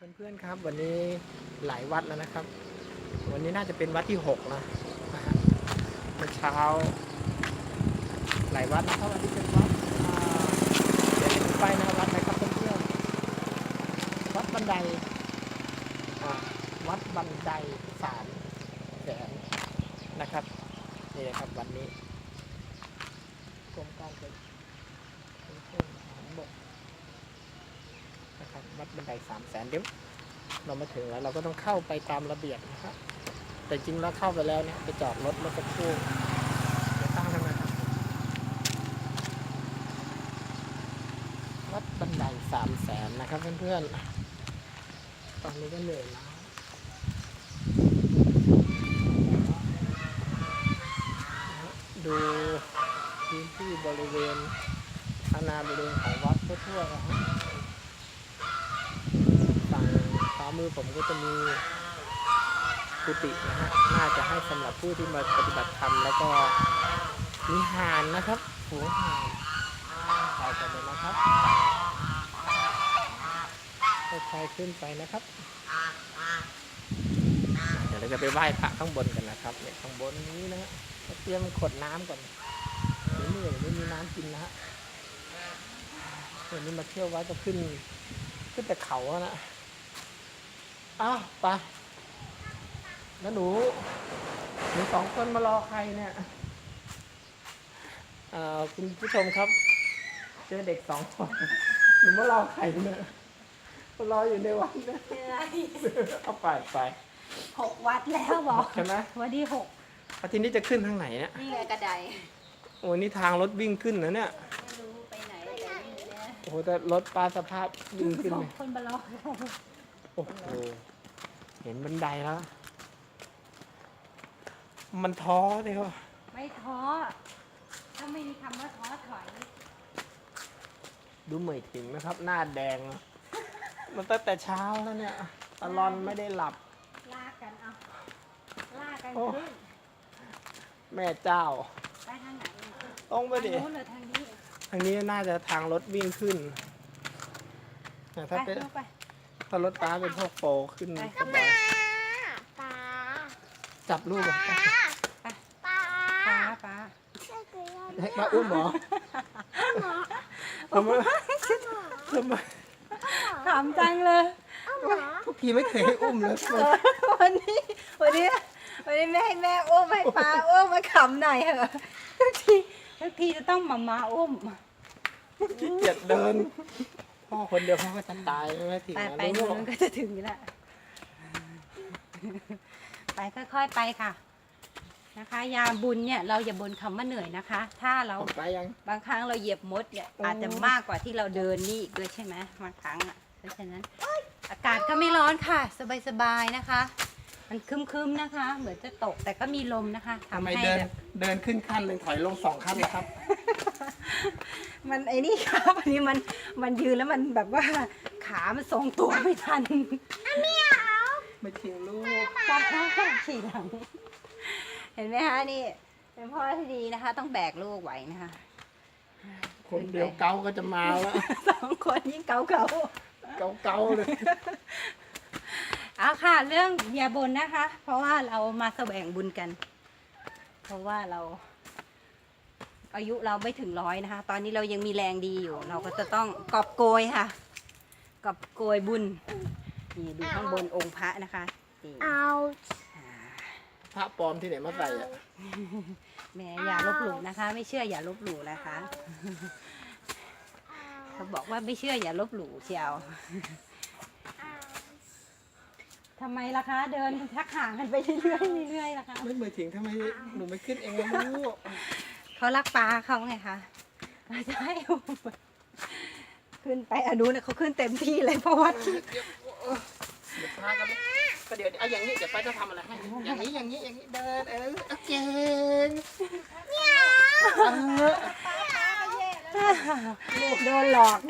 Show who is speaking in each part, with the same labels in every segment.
Speaker 1: เพื่อนๆครับวันนี้หลายวัดแล้วนะครับวันนี้น่าจะเป็นวัดที่6นะเมื่อเช้าหลายวัดนะครับวันนี้เป็นวัดเดี๋ยวจะไปนะวัดนะครับเพื่อนๆวัดบันไดวัดบันได3 แสนนะครับนี่นะครับวันนี้กรมการขนส่งทางบกนะครับวัดบันได3 แสนเดี๋ยวเรามาถึงแล้วเราก็ต้องเข้าไปตามระเบียบนะครับแต่จริงแล้วเข้าไปแล้วเนี่ยไปจอดรถเมื่อสักครู่เดี๋ยวตั้งทำไมครับวัดบันได3 แสนนะครับเพื่อนๆตอนนี้ก็เหนื่อยแล้วดูพื้นที่บริเวณอาณาบริเวณของวัดทั่วๆนะครับฝั่งขวามือผมก็จะมีกุฏินะฮะน่าจะให้สำหรับผู้ที่มาปฏิบัติธรรมแล้วก็มีห่านนะครับหัวห่านไปกันเลยนะครับค่อยๆขึ้นไปนะครับเดี๋ยวเราจะไปไหว้พระข้างบนกันนะครับเนี่ยข้างบนนี้นะฮะเตรียมขวดน้ำก่อนเหนื่อยไม่มีน้ำกินนะฮะวันนี้มาเที่ยววัดก็ขึ้นแต่เขานะอ้าวไปแล้วหนู2 คนมารอใครเนี่ยคุณผู้ชมครับเจอเด็ก2 คนหนูมารอใครเนี่ยมารออยู่ในวัดนะเอาไป
Speaker 2: 6 วัดแล้วบอก
Speaker 1: ใช่ไหม
Speaker 2: วันที่6
Speaker 1: ทีนี้จะขึ้นทางไหนเนี่ย
Speaker 2: นี่ไงกระได
Speaker 1: โอ้นี่ทางรถวิ่งขึ้นนะเนี่ย
Speaker 2: ไม่รู้ไปไหนแต่นี่นะ
Speaker 1: โอ้โหแต่รถปลาสภาพวิ่งขึ้นเลย
Speaker 2: 2 คนมารอ
Speaker 1: โอ้โหเห็นบันไดแล้วมันท้อเลยว่ะ
Speaker 2: ไม่ท้อถ้าไม่มีคำว่าท้อถอย
Speaker 1: ดูเหมยถึงนะครับหน้าแดงมันตั้งแต่เช้าแล้วเนี่ยตลอนไม่ได้หลับ
Speaker 2: ลากกันขึ้น
Speaker 1: แม่เจ้า
Speaker 2: ไปทางไหน
Speaker 1: ต้องไปดิ
Speaker 2: ทางนู้นหรือทางนี้
Speaker 1: ทางนี้น่าจะทางรถวิ่งขึ้นถ้าเป็นถ้ารถป้าเป็นพวกโฟขึ้นสบายจับลูกอ่ะ
Speaker 2: ป้า
Speaker 1: ให้มาอุ้มหรอทำไม
Speaker 2: ถามจังเลย
Speaker 1: ทุกทีไม่เคยให้อุ้มเลย
Speaker 2: วันนี้แม่ให้แม่อุ้มให้ป้าอุ้มมาขำหน่อยเหรอทุกทีจะต้องมาอุ้ม
Speaker 1: ขี้เกียจเดินพ่อคนเดียวพ่อก็จะตายไม่ถึง
Speaker 2: ไปนู่นก็จะถึงแล้วไปค่อยๆไปค่ะนะคะยาบุญเนี่ยเราอย่าบ่นคำว่าเหนื่อยนะคะถ้าเราบางครั้งเราเหยียบมดเนี่ยอาจจะมากกว่าที่เราเดินนี่อีกด้วยใช่ไหมบางครั้งอ่ะเพราะฉะนั้นอากาศก็ไม่ร้อนค่ะสบายๆนะคะมันครึ้มๆนะคะเหมือนจะตกแต่ก็มีลมนะคะ
Speaker 1: ทำให้เดินขึ้นขั้นหนึ่งถอยลง2 ขั้นนะครับ
Speaker 2: มันไอ้นี่ครับอันนี้มันยืนแล้วมันแบบว่าขามันทรงตัวไม่ทัน
Speaker 1: ไม่ทิ้งลูก
Speaker 2: ป้าขี่หลังเห็นไหมคะนี่เป็นพ่อที่ดีนะคะต้องแบกลูกไหวนะคะ
Speaker 1: คนเดียวเกาก็จะมาแล้ว
Speaker 2: 2 คนยิ่งเกา
Speaker 1: เลย
Speaker 2: เอาค่ะเรื่องอย่าบ่นนะคะ เพราะว่าเรามาแสวงบุญกันเพราะว่าเราอายุเราไม่ถึง100นะคะตอนนี้เรายังมีแรงดีอยู่เราก็จะต้องกอบโกยค่ะกอบโกยบุญนี่ดูข้างบนองค์พระนะคะ
Speaker 1: พระปลอมที่ไหนมาใส่อ่ะ
Speaker 2: แม่อย่าลบหลู่นะคะไม่เชื่ออย่าลบหลู่นะคะเขาบอกว่าไม่เชื่ออย่าลบหลู่เชียวทำไมล่ะคะเดินทักห่างกันไปเรื่อยๆล่ะคะ
Speaker 1: ไม่เหมือนถึงทำไมหนูไม่ขึ้นเองล่ะลูก
Speaker 2: เขารักปลาเขาไงคะใช่ขึ้นไปอนุเนี่ยเขาขึ้นเต็มที่เลยเพราะว่า
Speaker 1: เดี๋ยวพากันก็เดี๋ยวเอาอย่างนี้เดี๋ยวป้าจะทำอะไรให้อย่างนี้เดินเก่ง
Speaker 2: โดนหลอก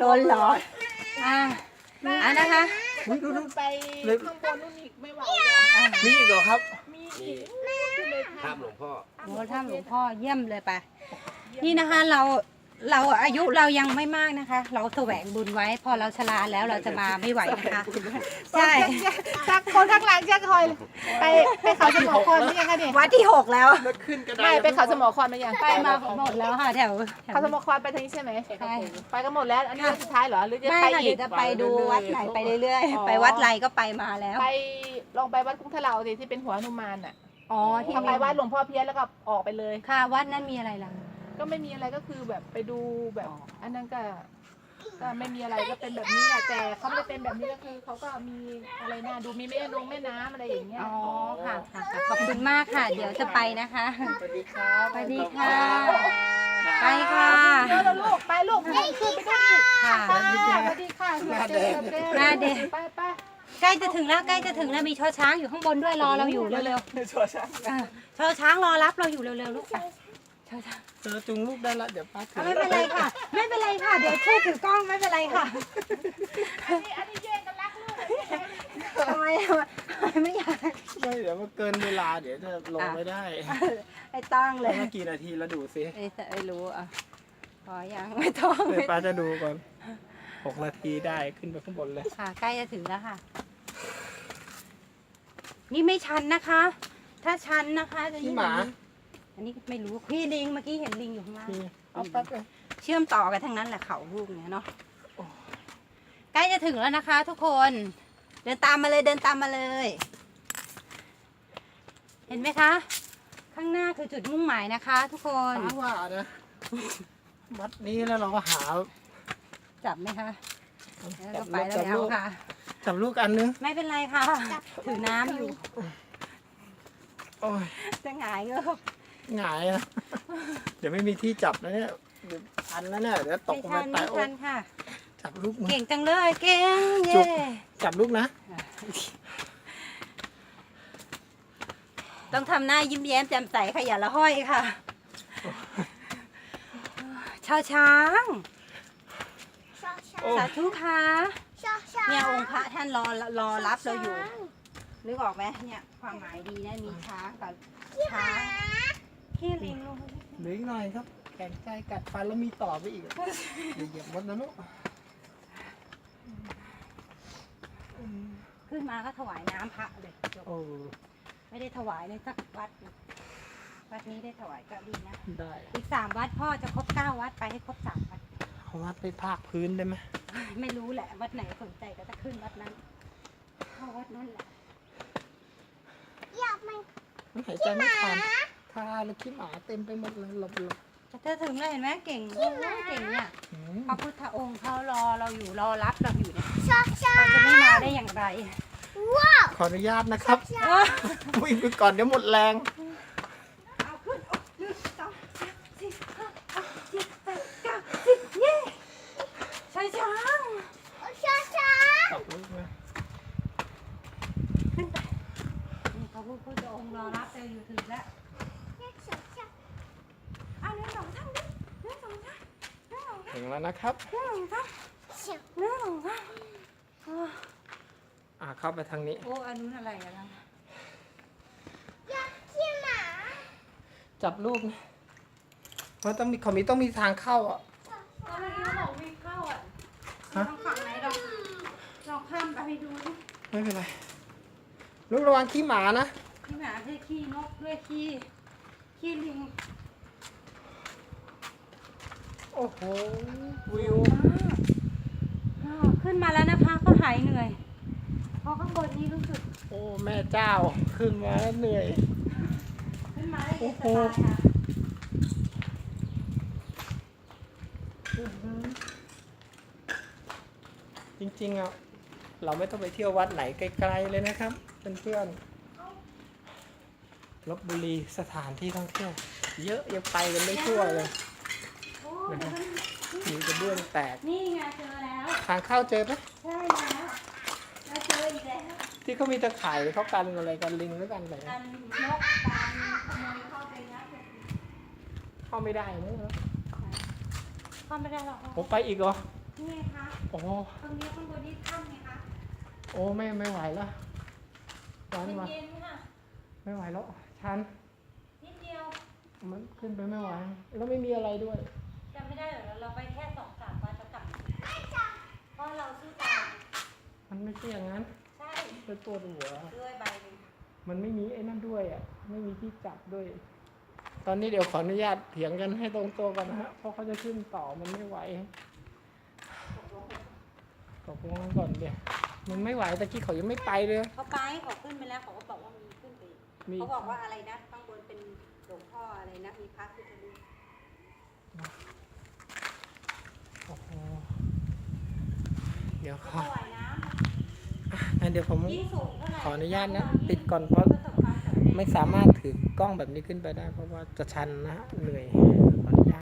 Speaker 2: นะคะ
Speaker 1: ดูไปข้างบนนู่นอีกไม่ไหวมีอีกเหรอครับมี
Speaker 3: ถ้ำหลวงพ่อ
Speaker 2: ถ้ำหลวงพ่อเยี่ยมเลยไปนี่นะคะเราเราอายุเรายังไม่มากนะคะ เราแสวงบุญไว้ พอเราชราแล้วเราจะมาไม่ไหวนะคะใช่
Speaker 3: จากคนข้างหลังจะคอยไปเขาสมอคอนหรือยังคะเนี่ย
Speaker 2: วัดที่ 6 แล้ว
Speaker 1: แล้วขึ้นก็ได้
Speaker 3: ไม่ไปเขาสมอคอนมายัง
Speaker 2: ไปมาหมดแล้วค่ะแถว
Speaker 3: เขาสมอคอนไปทางนี้ใช่ไหม
Speaker 2: ใช่
Speaker 3: ไปกันหมดแล้วอันนี้วันสุดท้ายเหรอหรือจะ
Speaker 2: ไม่
Speaker 3: ไป
Speaker 2: ค่ะ
Speaker 3: อี
Speaker 2: เดี๋ย
Speaker 3: ก
Speaker 2: วจะไปดูวัดไหนไปเรื่อย
Speaker 3: อ๋อ
Speaker 2: ๆ ไปวัดไรก็ไปมาแล้ว
Speaker 3: ไปลองไปวัดกุ้งทะเลาสิที่เป็นหัวหนุมานอ่ะ
Speaker 2: อ๋อที่
Speaker 3: ทำไปวัดหลวงพ่อเพี้ยนแล้วก็ออกไปเลย
Speaker 2: ค่ะวัดนั้นมีอะไรล่ะ
Speaker 3: ก็ไม่มีอะไรก็คือแบบไปดูแบบ อันนั้นก็ไม่มีอะไรก็เป็นแบบนี้แหละแต่เขาไม่ได้เป็นแบบนี้ก็คือเขาก็มีอะไรน่าดูมีแม่น้ำอะไรอย่างเงี้ย
Speaker 2: อ๋อค่ะค่ะค่ะขอบคุณมากค่ะ เดี๋ยวจะไปนะคะ
Speaker 1: สวัสดีครับ
Speaker 2: สวัสดีค่ะ ไปค่ะ
Speaker 3: เดี๋ยวเราลูกไปลูกขึ้นไปด้วยอีก
Speaker 2: ค่ะ
Speaker 3: ค่ะสวัสดีค่ะ
Speaker 2: หน้าแดง
Speaker 3: ไปไป
Speaker 2: ใกล้จะถึงแล้วใกล้จะถึงแล้วมีช่อช้างอยู่ข้างบนด้วยรอเราอยู่เร็ว
Speaker 1: ชัวร์ใช่
Speaker 2: ๆช่อช้างรอรับเราอยู่เร็วๆลูกไปช่อช้าง
Speaker 1: เจอจุงลูกได้ละเดี๋ยวป้าถือ
Speaker 2: ไม่เป็นไรค่ะ ไม่เป็นไรค่ะ เดี๋ยวช่วยถือกล้องไม่เป็นไรค่ะ
Speaker 3: อันนี้แย่งกันรักลูก
Speaker 2: ทำไมไม่อยาก
Speaker 1: ไม่เดี๋ยวมันเกินเวลาเดี๋ยวจะลงไม่ได้
Speaker 2: ไอ้ตั้งเลย
Speaker 1: เมื่อกี่นาทีแล้วดูสิ
Speaker 2: ไม่รู้อ่ะพอยังไม่ต้อง
Speaker 1: เดี๋ยวป้าจะดูก่อน6 นาทีได้ขึ้นไปข้างบนเลย
Speaker 2: ค่ะใกล้จะถึงแล้วค่ะ นี่ไม่ชันนะคะ ถ้าชันนะคะจะ
Speaker 1: พี่
Speaker 2: ยิ่ง
Speaker 1: หมา
Speaker 2: อันนี้ไม่รู้พี่ลิงเมื่อกี้เห็นลิงอยู่ข้างล่าง
Speaker 1: พี่เอาแป๊บเลย
Speaker 2: เชื่อมต่อกันทั้งนั้นแหละเขาลูกเนี่ยเนาะใกล้จะถึงแล้วนะคะ ทุกคน เดินตามมาเลยเดินตามมาเลย เห็นไหมคะ ข้างหน้าคือจุดมุ่งหมายนะคะ ทุกคน
Speaker 1: ป้าว่านะวัดนี้แล้วเราก็หา
Speaker 2: จับไหมคะแล้ว
Speaker 1: จั
Speaker 2: ก็
Speaker 1: บ
Speaker 2: ไป
Speaker 1: ลูก
Speaker 2: แล้ว
Speaker 1: จับลูก
Speaker 2: ค่ะ
Speaker 1: จับลูกอันนึง
Speaker 2: ไม่เป็นไรค่ะ ถือน้ำอยู่
Speaker 1: โอ้ย
Speaker 2: จะหงายเงือบ
Speaker 1: หงายนะเดี๋ยวไม่มีที่จับนะเนี่ยเดี๋ยวพันแล้วเนี่ยเดี๋ยวตก
Speaker 2: ไม่
Speaker 1: ลงไป
Speaker 2: ทัน
Speaker 1: ตายโอ้
Speaker 2: ไม่ทั
Speaker 1: ย
Speaker 2: นค่ะ
Speaker 1: จับลูกมือ
Speaker 2: เก่งจังเลยเก่ง
Speaker 1: จุ
Speaker 2: เย่
Speaker 1: ก จับลูกนะ
Speaker 2: ต้องทำหน้ายิ้มแย้มแจ่มใสค่ะอย่าละห้อยค่ะชาวช้าง
Speaker 1: โอ้
Speaker 2: สาธุค่ะเนี่ยองค์พระท่านรอรับเราอยู่ นึกออกไหมเนี่ยความหมายดีนะมีช้างกับช้างขี้ลิงลง
Speaker 1: เหลืออีกหน่อยครับ แข็งใจกัดฟันแล้วมีต่อไปอีกเดี๋ยวเหยียบมดนะลูก
Speaker 2: ขึ้นมาก็ถวายน้ำพระเลยจบ
Speaker 1: โอ้
Speaker 2: ไม่ได้ถวายเลยสักวัดวัดนี้ได้ถวายก็ดีนะ
Speaker 1: ได้
Speaker 2: อีก3 วัดพ่อจะครบ9 วัดไปให้ครบ3 วัด
Speaker 1: เอาวัดไปภาคพื้นได้ไหม
Speaker 2: ไม่รู้แหละวัดไหนสนใจก็จะขึ้นวัดนั้นเข้าวัดนั้นแหละ
Speaker 1: มันหายใจไม่ทันทาแล้วขี้หมาเต็มไปหมดเลยหลบ
Speaker 2: จะถึงแล้วเห็นไหมเก่งโอ้ยเก่งเนี่ย
Speaker 1: ๆ
Speaker 2: พระพุทธองค์เขารอเราอยู่รอรับเราอยู่เนี่ยเราจะไม่มาได้อย่างไร
Speaker 1: ขออนุญาตนะครับวิ่งไปก่อนเดี๋ยวหมดแรง
Speaker 2: เอาขึ้น1 2 3 4 5 6 7 8 9 10เย้ช้างช้าง
Speaker 1: จับลูกนะ
Speaker 2: ขึ้นไปนี่พระพุทธองค์รอรับเราอยู่ถึงแล้วเอา1 2 3ดิ1 2 3
Speaker 1: ถึงแล้วนะครับ เข้าไปทางนี้
Speaker 2: โอ้อันนู้นอะไรกันนะ
Speaker 1: จับลูกนะมันต้องมีต้องมีทางเข้าอ่ะ
Speaker 2: ตอนนี้บอกมีเข้าอ่ะทางฝั่งไหนเราข้ามไปดูดิ
Speaker 1: ไม่เป็นไร ลูกระวังขี้หมานะ
Speaker 2: ขี้หมาด้วยขี้นกด้วยขี้ลิง
Speaker 1: โอ้โห วิว
Speaker 2: ขึ้นมาแล้วนะคะก็หายเหนื่อยเพราะข้างบนนี้รู้สึก
Speaker 1: โอ้แม่เจ้า ขึ้นมาแล้วเหนื่อย
Speaker 2: ขึ้นมาได้เย็นสบายค่ะ
Speaker 1: จริงๆอ่ะ เราไม่ต้องไปเที่ยววัดไหนไกลๆเลยนะครับเพื่อนๆลพบุรีสถานที่ท่องเที่ยว เยอะยังไปกันไม่ทั่วเลย
Speaker 2: โอ้เดี๋ยวมัน
Speaker 1: มีกระเบื้องแตก
Speaker 2: นี่ไงเจอแล้ว
Speaker 1: ทางเข้าเจอไหม
Speaker 2: ใช่แล้วเราเจออีกแล้ว
Speaker 1: ที่เขามีตะข่ายเขากันอะไรกันลิงหรือกันอะไร
Speaker 2: การนกการขโมยเข้าไปนะ
Speaker 1: เข้าไม่ได้นะ
Speaker 2: เข้าไม่ได้หรอก
Speaker 1: ผมไปอีกเหรอ
Speaker 2: นี่ไงคะ
Speaker 1: โอ้
Speaker 2: ตรงนี้ข้างบนนี่ถ้ำไงคะ
Speaker 1: โอ้ไม่ไหวแล้วชันมา
Speaker 2: เย็นๆค่ะ
Speaker 1: ไม่ไหวแล้วชัน
Speaker 2: นิดเดียว
Speaker 1: มันขึ้นไปไม่ไหวแล้วไม่มีอะไรด้วย
Speaker 2: จำไม่ได้เหรอเราเราไปแค่2-3 วันจะกลับเพราะเราสู้ตาย
Speaker 1: มันไม่ใช่อย่างนั้น
Speaker 2: ใช่
Speaker 1: เป็นตัวหัว
Speaker 2: ด้วยใบหนึ่ง
Speaker 1: มันไม่มีไอ้นั่นด้วยอ่ะ ไม่มีที่จับด้วย ตอนนี้เดี๋ยวขออนุญาตเถียงกันให้ตรงตัวกันนะฮะ เพราะเขาจะขึ้นต่อมันไม่ไหวตกลงกันก่อนเดี๋ยวมันไม่ไหวตะกี้เขายังไม่ไปเลย
Speaker 2: เขาไปเขาขึ้นไปแล้วเขาก็บอกว่ามีขึ้นไปอีก
Speaker 1: มี
Speaker 2: เขาบอกว่าอะไรนะข้างบนเป็นหลวงพ่ออะไรนะมีพระพุทธรูป
Speaker 1: โอ้โหเดี๋ยวข
Speaker 2: ถ
Speaker 1: อ
Speaker 2: วายน้
Speaker 1: งั้นเดี๋ยวผม
Speaker 2: ำยิ่งสูงเท่าไหร่
Speaker 1: ขออนุญาตนะปิดก่อนเพราะ
Speaker 2: ประสบความสำเร็จ
Speaker 1: ไม่สามารถถือกล้องแบบนี้ขึ้นไปได้ เพราะว่าจะชันนะฮะเหนื่อยขออนุญาต